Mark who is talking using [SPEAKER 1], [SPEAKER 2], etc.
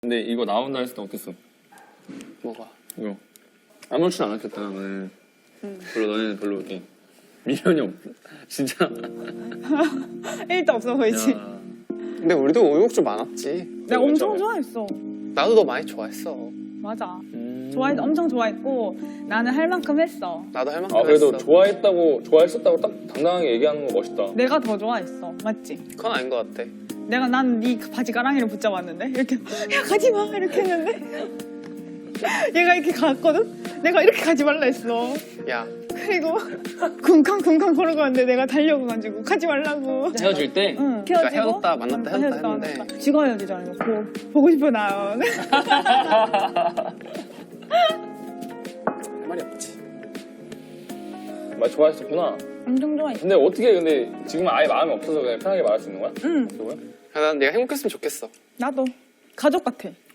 [SPEAKER 1] 근데 이거 나온다 했을 때 어땠어?
[SPEAKER 2] 뭐가?
[SPEAKER 1] 이거 아무렇지도 않았겠다 너는. 별로 너네는 별로 이렇게 미련이 없. 진짜.
[SPEAKER 3] 1도 없어 보이지?
[SPEAKER 1] 야.
[SPEAKER 2] 근데 우리도 오육주 많았지.
[SPEAKER 3] 내가 엄청
[SPEAKER 1] 처음에.
[SPEAKER 3] 좋아했어.
[SPEAKER 2] 나도 너 많이 좋아했어.
[SPEAKER 3] 맞아. 엄청 좋아했고 나는 할 만큼 했어.
[SPEAKER 2] 나도 할 만큼
[SPEAKER 1] 아 그래도
[SPEAKER 2] 했어.
[SPEAKER 1] 좋아했었다고 딱 당당하게 얘기하는 거 멋있다.
[SPEAKER 3] 내가 더 좋아했어. 맞지?
[SPEAKER 2] 그건 아닌 것 같아.
[SPEAKER 3] 난 네 바지 가랑이를 붙잡았는데 이렇게 야 가지 마 이렇게 했는데 얘가 이렇게 갔거든? 내가 이렇게 가지 말라 했어.
[SPEAKER 2] 야,
[SPEAKER 3] 그리고 쿵쾅쿵쾅 걸어가는데 내가 달려가가지고 가지 말라고.
[SPEAKER 1] 헤어질 때?
[SPEAKER 3] 응.
[SPEAKER 2] 그러니까
[SPEAKER 3] 헤어지고
[SPEAKER 2] 헤어졌다 만났다 했는데.
[SPEAKER 3] 지가 헤어지잖아. 이거 보고 싶어 나.
[SPEAKER 2] 할 말이 없지.
[SPEAKER 1] 말 좋아했었구나.
[SPEAKER 3] 엄청 좋아했어.
[SPEAKER 1] 근데 어떻게 근데 지금 아예 마음이 없어서 그냥 편하게 말할 수 있는 거야?
[SPEAKER 3] 응.
[SPEAKER 1] 그거야?
[SPEAKER 2] 난 네가 행복했으면 좋겠어.
[SPEAKER 3] 나도 가족 같아.